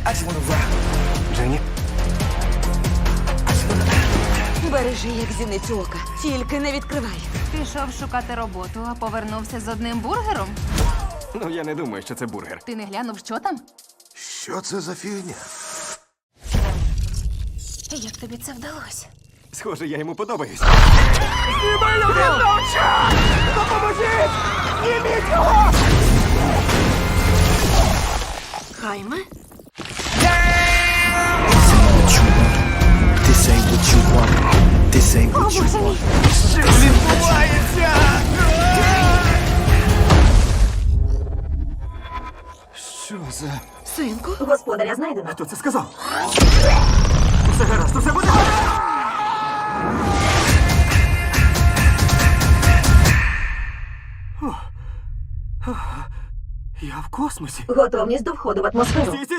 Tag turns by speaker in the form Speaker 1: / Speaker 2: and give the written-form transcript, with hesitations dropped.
Speaker 1: Дженні?
Speaker 2: Бережи, як зіницю ока. Тільки не відкривай.
Speaker 3: Пішов шукати роботу, а повернувся з одним бургером.
Speaker 1: Ну, я не думаю, що це бургер.
Speaker 3: Ти не глянув, що там?
Speaker 4: Що це за фігня?
Speaker 3: Як тобі це вдалося?
Speaker 1: Схоже, я йому подобаюсь.
Speaker 2: Хайме?
Speaker 5: This ain't what you want. This ain't what you want.
Speaker 1: Що відбувається? Що за...
Speaker 2: Синку?
Speaker 6: Господаря знайдено.
Speaker 1: Хто це сказав? Усе гаразд, усе буде. Я в космосі.
Speaker 6: Готовність до входу в атмосферу.
Speaker 1: Стій, стій,